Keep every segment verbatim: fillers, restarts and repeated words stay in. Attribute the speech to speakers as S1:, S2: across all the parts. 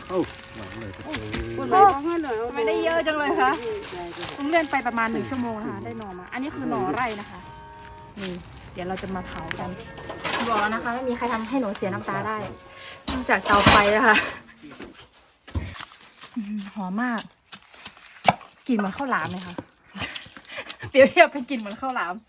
S1: เอ้าหลังเลย
S2: คุณไปทำไมได้เยอะจังเลยคะต้องเลื่อนไปประมาณหนึ่งชั่วโมงนะคะได้หน่อมาอันนี้คือหน่อไร่นะคะนี่เดี๋ยวเราจะมาเผากันบอกแล้วนะคะไม่มีใครทำให้หนูเสียน้ำตาได้นอกจากเตาไฟนะคะหอมมากกลิ่นเหมือนข้าวหลามเลยค่ะเปรียบเทียบเป็นกลิ่นเหมือนข้าวหลาม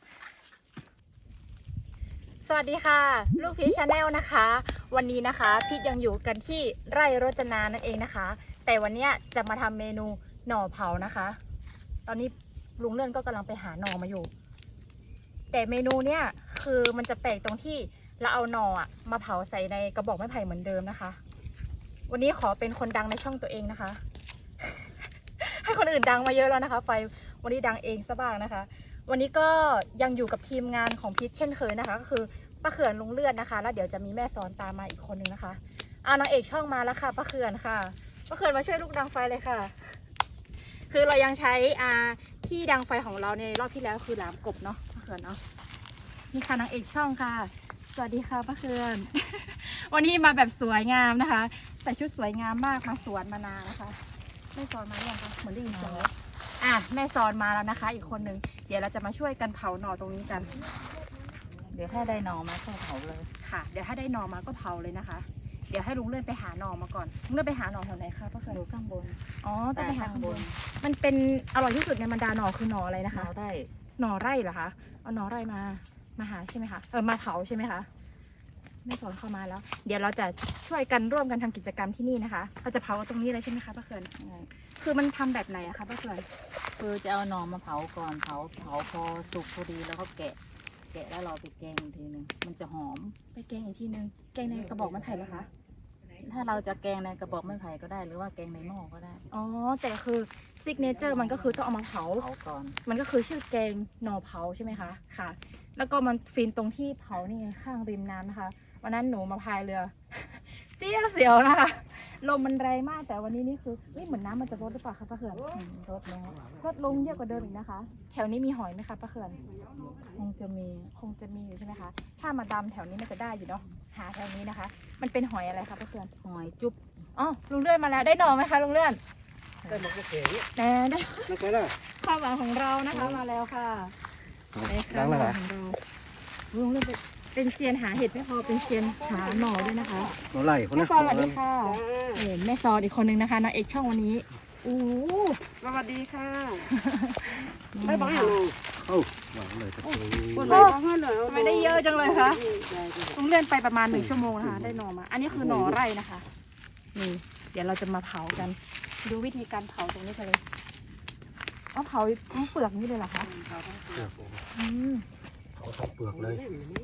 S2: สวัสดีค่ะลูกพีชชาแนลนะคะวันนี้นะคะพีชยังอยู่กันที่ไร่รจนานั่นเองนะคะแต่วันนี้จะมาทำเมนูหน่อเผานะคะตอนนี้ลุงเลื่อนก็กำลังไปหาหน่อมาอยู่แต่เมนูเนี้ยคือมันจะแปลกตรงที่เราเอาหน่อมาเผาใส่ในกระบอกไม้ไผ่เหมือนเดิมนะคะวันนี้ขอเป็นคนดังในช่องตัวเองนะคะ ให้คนอื่นดังมาเยอะแล้วนะคะไฟวันนี้ดังเองซะบ้างนะคะวันนี้ก็ยังอยู่กับทีมงานของพีชเช่นเคยนะคะก็คือป้าเขื่อนลุงเลื่อนนะคะแล้วเดี๋ยวจะมีแม่ซ้อนตามมาอีกคนนึงนะคะเอานางเอกช่องมาแล้วค่ะป้าเขื่อนค่ะป้าเขื่อนมาช่วยลูกดังไฟเลยค่ะคือเรายังใช้อ่าที่ดังไฟของเราในรอบที่แล้วคือหลามกบเนาะป้าเขื่อนเนาะนี่ค่ะนางเอกช่องค่ะสวัสดีค่ะป้าเขื่อน วันนี้มาแบบสวยงามนะคะใส่ชุดสวยงามมากมาสวนมานานะคะแม่ซ้อนมาหรือยังคะเหมือนได้ยินเสียงแล้วอ่ะแม่ซ้อนมาแล้วนะคะอีกคนนึงเดี๋ยวเราจะมาช่วยกันเผาหน่อตรงนี้กัน
S3: เดี๋ยวถ้าได้หน่อมาก็เผาเลย
S2: ค่ะเดี๋ยวถ้าได้หน่อมาก็เผาเลยนะคะเดี๋ยวให้ลุงเลื่อนไปหาหน่อมาก่อนลุงเลื่อนไปหาหน่อแถวไหนคะป้าเขื่อน
S3: อยู่ข้างบน
S2: อ๋อต้องไปหาข้างบนมันเป็นอร่อยที่สุดในบรรดาหน่อคือหน่ออะไรนะคะ
S3: เผาได้
S2: หน่อไร่เหรอคะเอาหน่อไร่มามาหาใช่ไหมคะเออมาเผาใช่ไหมคะแม่สอนเข้ามาแล้วเดี๋ยวเราจะช่วยกันร่วมกันทำกิจกรรมที่นี่นะคะเราจะเผาตรงนี้เลยใช่ไหมคะป้าเขื่อนคือมันทำแบบไหนอะคะป้าเขื่อน
S3: คือจะเอาหน่อมาเผาก่อนเผาเผาพอสุกพอดีแล้วก็แกะแกะแล้วเราไปแกงอีกทีหนึ่งมันจะหอม
S2: ไปแกงอีกทีนึงแกงในกระบอกไม้ไผ่เหรอคะ
S3: ถ้าเราจะแกงในกระบอกไม้ไผ่ก็ได้หรือว่าแกงในหม้อก็ได้
S2: อ๋อแต่คือซิกเนเจอร์มันก็คือต้องเอามาเผา
S3: เผาก่อน
S2: มันก็คือชื่อแกงหน่อเผาใช่ไหมคะค่ะแล้วก็มันฟินตรงที่เผานี่ไงข้างริมน้ำนะคะวันนั้นหนูมาพายเรือ เสียวเสียวนะคะลมมันแรงมากแต่วันนี้นี่คือเหมือนน้ำมันจะลดหรือเปล่าคะป้าเขื่อน
S3: ลดแล้ว
S2: ลดลงเยอะกว่าเดิมอีกนะคะแถวนี้มีหอยไหมคะป้าเขื่อน
S3: คงจะมี
S2: คงจะมีอยู่ใช่ไหมคะถ้ามาดำแถวนี้มันจะได้อยู่เนาะหาแถวนี้นะคะ มันเป็นหอยอะไรคะป้าเขื่อน
S3: หอยจุ๊บ
S2: อ๋อลุงเลื่อนมาแล้วได้หน่อไหมคะลุงเลื่อน
S1: ได้มาก็เก๋
S2: แน่ได้
S1: แล้วก็ล่ะ
S2: ความหวังของเรานะคะมาแล้วค่ะได้ค่ะของเราลุงเลื่อนเป็นเซียนหาเห็ดไม่พอเป็นเซียนหาหน่อด้วยนะคะ
S1: หน่อไร่คน
S2: แม่
S1: นะ
S2: ซอนสวัสดีค่ะเห็นแม่ซอนอีกคนนึงนะคะนางเอกช่องวันนี้อู้
S4: สวัสดีค่ะ
S2: ไม่บอกค่ะ
S1: เอ้าหลังเลย
S4: คุณไปทำ
S2: ไมได้เยอะจังเลยคะต้องเลื่อนไปประมาณหนึ่งชั่วโมงนะคะได้หน่อมาอันนี้คือหน่อไร่นะคะนี่เดี๋ยวเราจะมาเผากันดูวิธีการเผาตรงนี้กันเลยเอาเผาทั้งเปลือกนี่เลยเหรอคะอืม
S1: เผาทั้งเปลือกเลย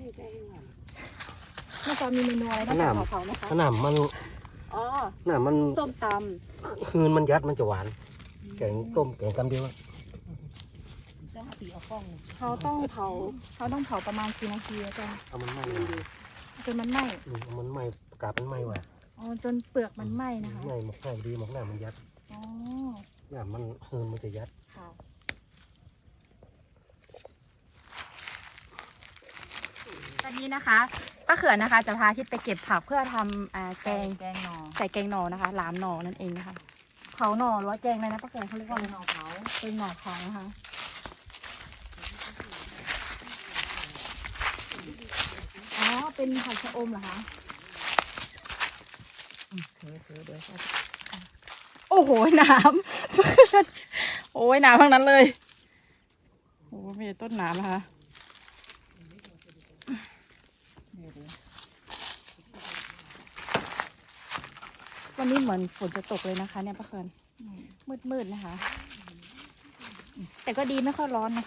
S2: แม่ซอนมีเมนูอะไรบ้างคะเผาไหมคะ
S1: ขนาดมัน
S2: อ๋อ
S1: ขนาดมัน
S2: ส้มต
S1: ำคืนมันยัดมันจะหวานแกงต้มแกงกำเดียว
S2: เขาต้องเผาเขาต้องเผาประมาณกี่นาทีอาจารย์
S1: เอามันไหม้
S2: จนมันไหม้
S1: เอามันไหม้กาบมันไหม้ว่ะ
S2: อ๋อจนเปลือกมันไหม้นะคะ
S1: ไหม้หมกไหม้ดีหมกหน้ามันยัด
S2: อ๋อ
S1: หน้ามันคืนมันจะยัด
S2: ค่ะตอนนี้นะคะป้าเขื่อนนะคะจะพาทิศไปเก็บผักเพื่อทำแกง
S3: แกงหน่อ
S2: ใส่แกงหน่อนะคะหลามหน่อนั่นเองนะคะเผาหน่อหรือว่าแกงอะไรนะป้าเขื่อนเขาเรียกว่า
S3: หน่อเผา
S2: เป็นหน่อเผานะคะอ๋อเป็นผักชะอมเหรอคะ
S3: ถือถือเดี๋ยว
S2: โอ้โหน้ำโอ้ยน้ำทั้งนั้นเลยโอ้มีต้นน้ำนะคะวันนี้เหมือนฝนจะตกเลยนะคะเนี่ยป้าเขื่อนมืดๆนะคะแต่ก็ดีไม่ค่อยร้อนนะ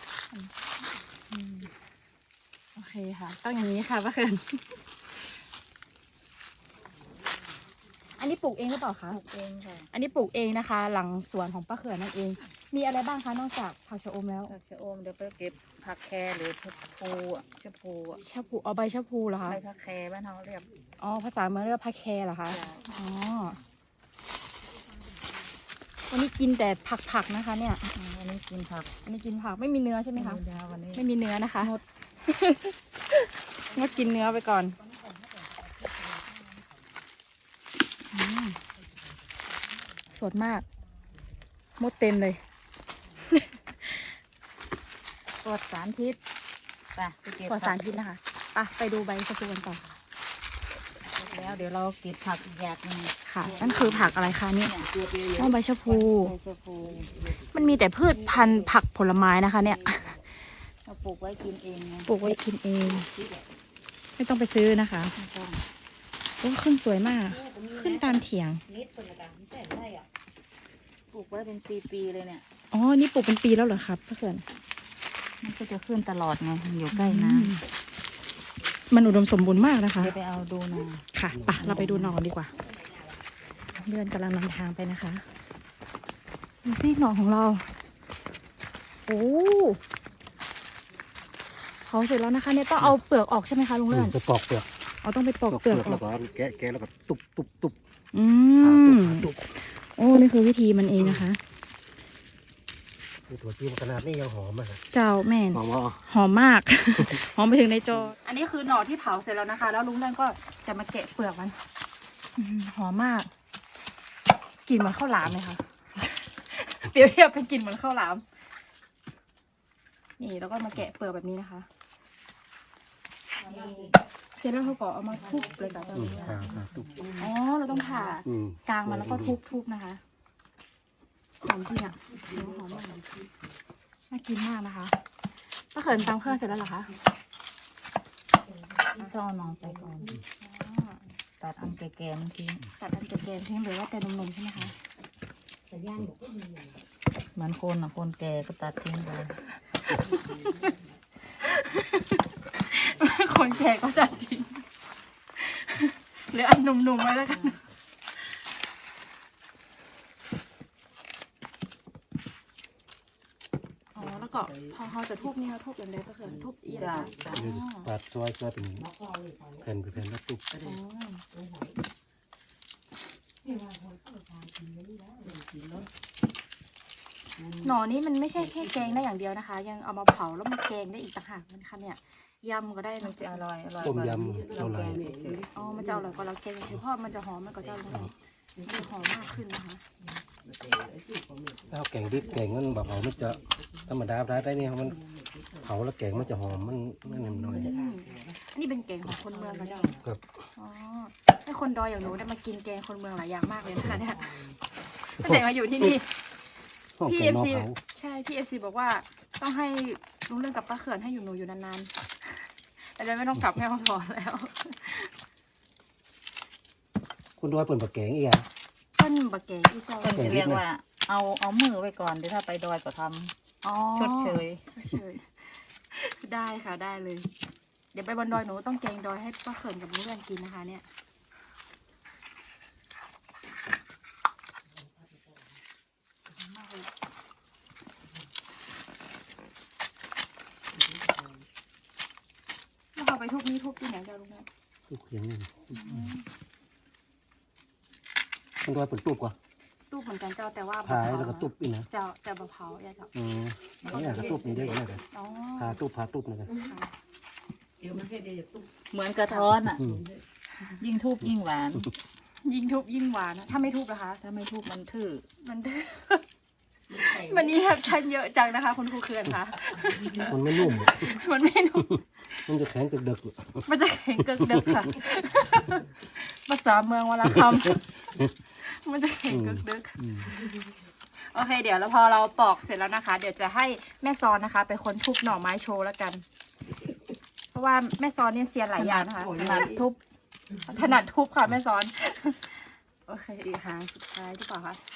S2: โอเคค่ะต้องอย่างนี้ค่ะป้าเขื่อนอันนี้ปลูกเองหรือเปล่าคะ
S3: ปลูกเองค่ะ
S2: อันนี้ปลูกเองนะคะหลังสวนของป้าเขื่อนนั่นเองมีอะไรบ้างคะนอกจากผักชะอมแล้ว
S3: ผักชะอมเดี๋ยวไปเก็บผักแครหรือชะพูอ่ะชะพูอ่ะ
S2: ชะพูเอาใบชะพูเหรอคะ
S3: ใบผักแครบ้านเราเรียก
S2: อ๋อภาษาเมืองเรียกผักแครเหรอคะอ๋อวันนี้กินแต่ผักๆนะคะเนี่ย
S3: วันนี้กินผัก
S2: อันนี้กินผักไม่มีเนื้อใช่ไหมคะ
S3: วันนี้
S2: ไม่มีเนื้อนะคะงดงดกินเนื้อไปก่อนสดมากมดเต็มเลย
S3: ปลอดสารพิษไปไปเก็บ
S2: ปลอดสารพิษนะคะไปไปดูใบชะพูกันต่อ
S3: แล้วเดี๋ยวเราเก็บผักอีกอย่างหนึง
S2: ค่ะ นั่นคือผักอะไรคะเนี่ยอ๋อใบชะพู
S3: ใบชะพู
S2: มันมีแต่พืชพันธุ์ผักผลไม้นะคะ เนี่ย
S3: เราปลูกไว้กินเองไง
S2: ปลูกไว้กินเอง ไม่ต้องไปซื้อนะคะ
S3: ไม่ต้อง
S2: โอ้ขึ้นสวยมาก ขึ้นตามเถียง
S3: ปลูกไว้เป็นปีๆเลยเนี่ย
S2: อ๋อ นี่ปลูกเป็นปีแล้วเหรอครับพ่อเขื่อน
S3: มันก็จะขึ้นตลอดไงมันอยู่ใกล้น้
S2: อืมมันอุดมสมบูรณ์มากนะ
S3: ำ
S2: คะ
S3: เดี๋ยวไปเอาดูหน่อย
S2: ค่ะปะเราไปดูหนอนดีกว่าเลื่อนกำลังนำทางไปนะคะ ดูสิหนอนของเรา โอ้เผาเสร็จแล้วนะคะ เนี่ยต้องเอาเปลือกออกใช่ไหมคะลุงเลื่อน
S1: จะปอกเปลือก
S2: เอาต้องไปปอกเปลือกอ
S1: แล้
S2: อ
S1: ว
S2: ก
S1: ก็แกะแกะแล้วก็ตุบตุบตุบ
S2: อื
S1: หาตุ
S2: ม
S1: บหาตุบ
S2: โอ้ นี่คือวิธีมันเองนะคะ
S1: นี่ตัวจีนขนาดนี้ยังหอมอ่ะ
S2: เจ้าแม่น
S1: หอมว่า
S2: หอมมาก หอมไปถึงในจอ อันนี้คือหน่อที่เผาเสร็จแล้วนะคะ แล้วลุงเลื่อนก็จะมาแกะเปลือกมันอื้อหือหอมมาก กลิ่นเหมือนข้าวหลามเลยค่ะ เปรียบเทียบเป็นกลิ่นเหมือนข้าวหลาม นี่แล้วก็มาแกะเปลือกแบบนี้นะคะนี่เสร็จแล้วเขาก็เอามาทุบเลยค่ะตอน
S1: อืม
S2: นี้
S1: หาหาตุบ
S2: อ๋อ เราต้องผ่า
S1: อืม
S2: กลางมันแล้วก็ทุบๆนะคะ หอมจริงอ่ะหอมมากน่ากินมากนะคะป้าเขินตำเครื่องเสร็จแล้วเหรอคะ
S3: ต้องเอาหนอนใส่ก่อน
S2: อ๋อ
S3: ตัดอันแก่ๆเมื่อกี้
S2: ตัดอันแก่ๆทิ้งหรือว่าแต่นมๆใช่ไหมคะ
S3: เหมือนคนอ่ะคนแก่ก็ตัดทิ้งไป
S2: คนแก่ก็ตัดทิ้งหรืออันหนุ่มๆไว้แล้วกันอ๋อแล้วก็พอเขาจะทุบนี่เขาทุบอย่างไรป้าเขินทุบเอียง
S3: จ้ะ
S2: นะ
S3: จ้ะ
S2: อ๋อ
S1: ตัดซอยซอยเป็นแผ่นเป็นแผ่นแล้วตุบ
S2: อ๋อหน่อนี้มันไม่ใช่แค่แกงได้อย่างเดียวนะคะ ยังเอามาเผาแล้วมาแกงได้อีกต่างหากนะคะเนี่ยยำก็ได้
S3: มั
S2: มัน น
S3: จะ
S2: จะ
S3: อร่อยอร่อย
S1: ต้ม
S3: กว่
S1: ยำ
S3: เรา
S1: เอาไร
S3: แกงเฉย
S2: อ๋อมันจะอร่อยกว่าเราแกงเฉยๆเพราะมันจะหอมมากกว่าเจ้าลุงเลยมันจะหอมมากขึ้นนะคะ
S1: ถ้าเอาแกงดิบแกงมันแบบเอามันจะธรรมดาได้ได้นี่มันเผาแล้วแกงมันจะหอมมันมันนิ่มหน่อย
S2: อืมอันนี้เป็นแกงของคนเมืองกันเจ้า
S1: ครับ
S2: อ๋อให้คนดอยอย่างหนูได้มากินแกงคนเมืองหลายอย่างมากเลยนะคะเนี่ยตั้งแต่มาอยู่ที่นี่
S1: ห้อง
S2: พี่
S1: แก
S2: เอง ฟ
S1: นอก
S2: ซี
S1: เผา
S2: ใช่พี่เอฟซีบอกว่าต้องให้ลุงเรื่องกับป้าเขื่อนให้อยู่หนูอยู่นานๆแต่จะไม่ต้องกลับแม่ห้องสอนแล้ว
S1: คุณดอยเปิดปากแกงอีกอ่ะ
S2: ต้นบะแกงที่เจ้า
S3: ๆคนจะเรียกว่า เอาเอามือไว้ก่อนเดี๋ยวถ้าไปดอยก็ท
S2: อ๋อ
S3: ำชดเชย
S2: ชดเชยได้ค่ะได้เลย เดี๋ยวไปบนดอยหนูต้องแกงดอยให้ป้าเขินกับลุงเรื่องกินนะคะ เนี่ยแล้วเอาไปทุบนี้ทุบที่ไหนเจ้าลุงเนี่ย
S1: ตุบเขียงนี่คุณดอยเปิดตุบกว่า
S2: ตู้เหมือนกันเจ้าแต่ว่า
S1: พายแล้วก็ตุบอีกนะ
S2: เจ้าแต่บะเผาอย่าเจ้า
S1: อืมนี่ก็ตุบมันเยอะกว่านี้เลย
S2: อ๋อ
S1: พาตุบพาตุบนะครั
S2: ค่ะ
S3: เหมือนกระท้อนอ่ะ
S1: อืม
S3: ยิ่งทุบยิ่งหวาน
S2: ยิ่งทุบยิ่งหวานนะถ้าไม่ทุบนะคะ
S3: ถ้าไม่ทุบมันทื่อ
S2: มันดื้อวันนี้ครับชันเยอะจังนะคะ คุณครูเคือนค่ะ
S1: มันไม่นุ่ม
S2: มันไม่นุ่ม
S1: มันจะแข็งกึกเดึก
S2: มันจะแข็งเกิกเดึกค่ะภาษาเมืองวลคำมันจะแข็งเกิกเดึก
S1: อืม
S2: โอเค เดี๋ยวแล้วพอเราปอกเสร็จแล้วนะคะ เดี๋ยวจะให้แม่ซอนนะคะเป็นคนทุบหน่อไม้โชว์แล้วกัน เพราะว่าแม่ซอนเนี่ยเซียนหลายอย่างนะคะถนัดทุบถนัดทุบค่ะแม่ซอนโอเคอีกหางสุดท้ายดีกว่าค่ะ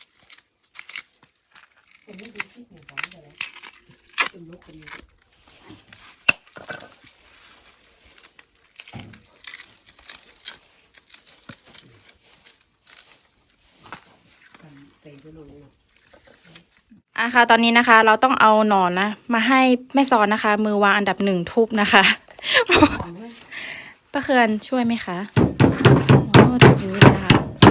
S2: อ่ะค่ะตอนนี้นะคะ เราต้องเอาหนอนนะมาให้แม่ซอนนะคะ มือวางอันดับหนึ่งทุบนะคะ ป้าเคือนช่วยไหมคะโอ้ถูกนี้เลยนะคะ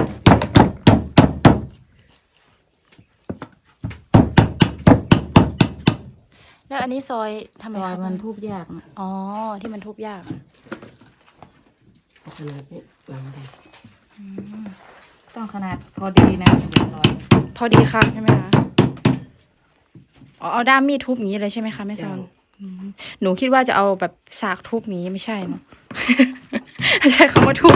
S2: แล้วอันนี้ซอยทำไม
S3: ซอย
S2: คะ
S3: มันทุบยากนะ
S2: อ๋อที่มันทุบยากอืม
S3: ต้องต้องขนาดพอดีนะเรียบร้อย
S2: พอดีค่ะใช่ไหมคะอ๋อเอาด้ามมีดทุบอย่างนี้เลยใช่ไหมคะแม่ซอนอืมหนูคิดว่าจะเอาแบบสากทุบอย่างนี้ไม่ใช่เนาะ ไม่ใช่คำว่าทุบ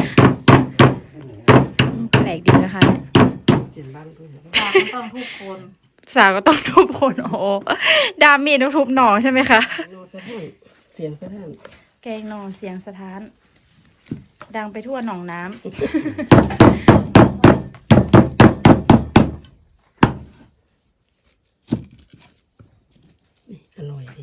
S2: แปลกดีนะคะเนี่ย
S3: สากมันต้องทุกคน
S2: สากก็ต้องทุบคนโอ้ด้ามมีดต้องทุบหน่อใช่ไหมคะ
S4: นอนสะท้านเสียงสะท้าน
S2: แกงหน่อเสียงสะท้าน ดังไปทั่วหนองน้ำ
S4: อร่อยดี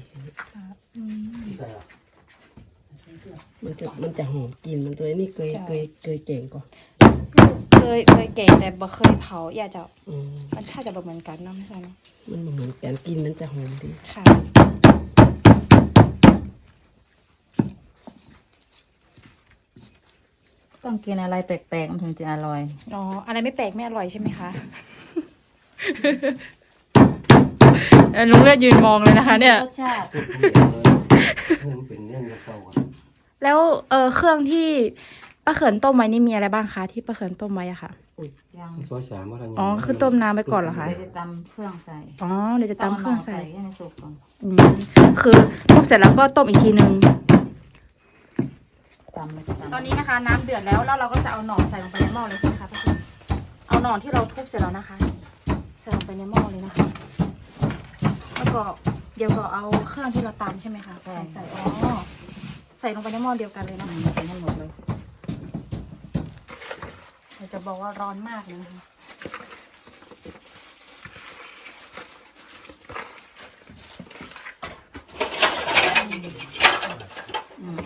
S4: มันจะมันจะหอมกลิ่นมันตัวนี้เคยเคยเคยเก่งก่อน
S2: เคยเคยแกงแต่บ่เคยเผาอยากจะ
S4: อืม
S2: มันถ้าจะแบบเหมือนกันเนาะไม่ใช่เนาะ
S4: มันเหมือนกันกินมันจะหอมดี
S2: ค่ะ
S3: ต้องกินอะไรแปลกๆมันถึงจะอร่อย
S2: อ๋ออะไรไม่แปลกไม่อร่อยใช่ไหมคะเออลุงเลือดยืนมองเลยนะคะ เนี่ย
S3: รสชาติ
S1: มันเป็นเรื่องเก่าอะ
S2: แล้วเออเครื่องที่ป้าเขินต้มไว้นี่มีอะไรบ้างคะที่ป้าเขินต้มไว้อะค่ะ
S3: ยัง
S1: ซอยสามว่าอะไร
S2: อ๋อคือต้มน้ำไปก่อนเหรอคะ
S3: เดี๋ยวจะตำเครื่องใส่
S2: อ๋อเดี๋ยวจะตำเครื่องใส่
S3: ให้มันสุกก่อน
S2: อืมคือทุบเสร็จแล้วก็ต้มอีกทีนึง
S3: ตำมันจะตำ
S2: ตอนนี้นะคะน้ำเดือดแล้วแล้วเราก็จะเอาหน่อใส่ลงไปในหม้อเลยใช่ไหมคะป้าเขินเอาหน่อที่เราทุบเสร็จแล้วนะคะใส่ลงไปในหม้อเลยนะคะแล้วก็เดี๋ยวก็เอาเครื่องที่เราตำใช่ไหมคะใส่ใส่อ๋อใส่ลงไปในหม้อเดียวกันเลย
S3: อื
S2: นะ
S3: มใส่ให้หมดเลย
S2: เดี๋ยวจะบอกว่าร้อนมากเลยนะคะ
S3: อืม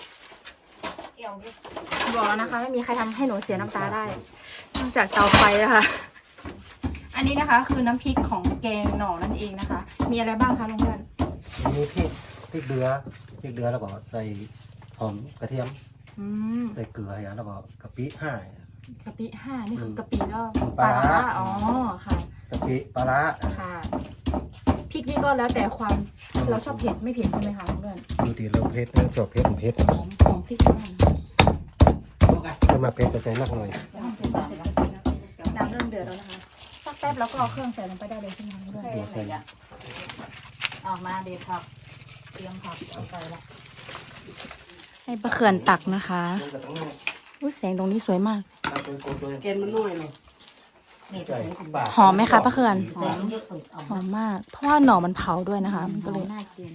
S2: บอกแล้วนะคะไม่มีใครทำให้หนูเสียน้ำตาได้นอกจากเตาไฟนะคะ อันนี้นะคะคือน้ำพริกของแกงหน่อนั่นเองนะคะ มีอะไรบ้างคะลุงเพื่อน
S1: มีพริกพริกเดือพริกเดือแล้วก็ใส่หอมกระเทียม
S2: อืม
S1: ใส่เกลืออย่างแล้วก็กะปิห้าก
S2: ะปิห้านี่คือกะปิแล้ว
S1: ปลาร้า
S2: อ๋อค่ะ
S1: กะปิปลาร้า
S2: ค่ะพริกนี่ก็แล้วแต่ความเราชอบเผ็ดไม่เผ็ดใช่ไหมคะลุงเพื่อน
S1: ดูดีเราเผ็ดนะชอบเผ็ดผมเผ็ด
S2: หอมของพริกมากนะ
S1: ถ้ามาเผ็ดก็ใส่นักหน่อย
S2: น้ำเริ่มเดือดแล้วนะคะสักแป๊บแล้วก็เอาเครื่องใส่ลงไปได้เลยใช่ไหมคะลุงเพื่อน
S1: เดี๋ยวใส่
S3: ออกมาเด็ดผักเตรียมผักเอาไปละ
S2: ให้ปลาเขื่อนตักนะคะอุ้ยแสงตรงนี้สวยมาก
S4: แกนมันน้อยเลย
S3: นี่จะใส่ถุง
S2: หอมไหมคะป้าเขื่อน
S3: ใส่เยอะสุดเอา
S2: หอมมาก เพราะว่าหน่อมันเผาด้วยนะคะ มันก็เลย
S3: น่ากิน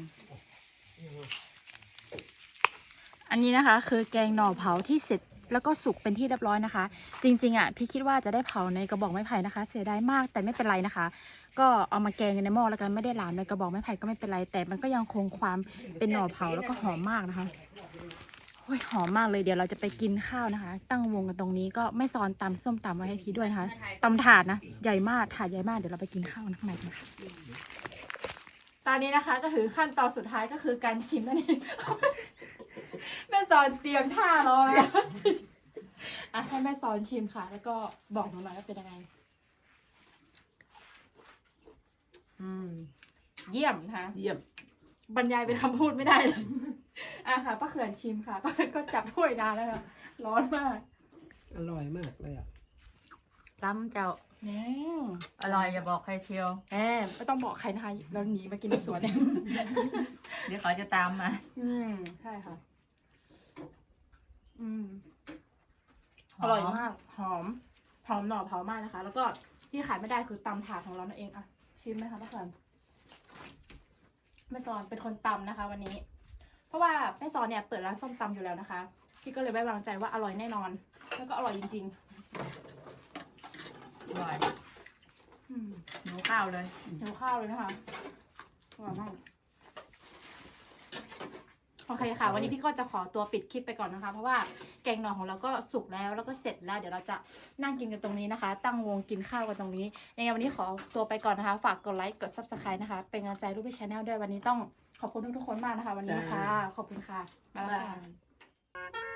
S2: อันนี้นะคะ คือแกงหน่อเผาที่เสร็จแล้วก็สุกเป็นที่เรียบร้อยนะคะ จริงๆอ่ะพี่คิดว่าจะได้เผาในกระบอกไม้ไผ่นะคะ เสียดายมากแต่ไม่เป็นไรนะคะ ก็เอามาแกงกันในหม้อแล้วกันไม่ได้หลามในกระบอกไม้ไผ่ก็ไม่เป็นไร แต่มันก็ยังคงความเป็นหน่อเผาแล้วก็หอมมากนะคะโอ้ยหอมมากเลยเดี๋ยวเราจะไปกินข้าวนะคะ ตั้งวงกันตรงนี้ก็ไม่ซ้อนตำส้มตำไว้ให้พี่ด้วยนะคะตำถาดนะใหญ่มากถาดใหญ่มากเดี๋ยวเราไปกินข้าวข้างในกันค่ะตอนนี้นะคะก็ถือขั้นตอนสุดท้ายก็คือการชิมนั่นเอง แม่สอนเตรียมท่ารอแล้ว อ่ะให้แม่สอนชิมค่ะ แล้วก็บอกหนูหน่อยว่าเป็นยังไง อืม เยี่ยมนะคะ
S4: เยี่ยม
S2: บรรยายเป็นคำพูดไม่ได้เลย อ่ะค่ะป้าเขื่อนชิมค่ะป้าเขื่อนก็จับถ้วยนานแล้วค่ะร้อนมาก
S4: อร่อยมากเลยอ่ะ
S3: ล้ำเจ้า
S2: แหม
S3: อร่อยอย่าบอกใครเชียว
S2: แหมไม่ต้องบอกใครนะคะเราหนีมากินในสวนเนี่ย
S3: เดี๋ยวเขาจะตามมา
S2: อืมใช่ค่ะ อืม อร่อยมาก หอม หอมหน่อเผามากนะคะ แล้วก็ที่ขายไม่ได้คือตำถาดของเรานั่นเองอ่ะ ชิมไหมคะป้าเขื่อนแม่ซอนเป็นคนตำนะคะ วันนี้ เพราะว่าแม่ซอนเนี่ยเปิดร้านส้มตำอยู่แล้วนะคะ พี่ก็เลยไว้วางใจว่าอร่อยแน่นอน แล้วก็อร่อยจริง
S3: อร่อย
S2: ๆ อืม
S3: หนูข้าวเลย
S2: หิวข้าวเลยนะคะอร่อยมากโอเคค่ะ วันนี้พี่ก็จะขอตัวปิดคลิปไปก่อนนะคะ เพราะว่าแกงหน่อของเราก็สุกแล้วแล้วก็เสร็จแล้ว เดี๋ยวเราจะนั่งกินกันตรงนี้นะคะ ตั้งวงกินข้าวกันตรงนี้ยังไงวันนี้ขอตัวไปก่อนนะคะ ฝากกดไลค์กด ซับสไครบ์ นะคะเป็นกำลังใจรูปพี่ชาแนลด้วยวันนี้ต้องขอบคุณทุกๆคนมากนะคะ วันนี้ค่ะ ขอบคุณค่ะบ๊ายบาย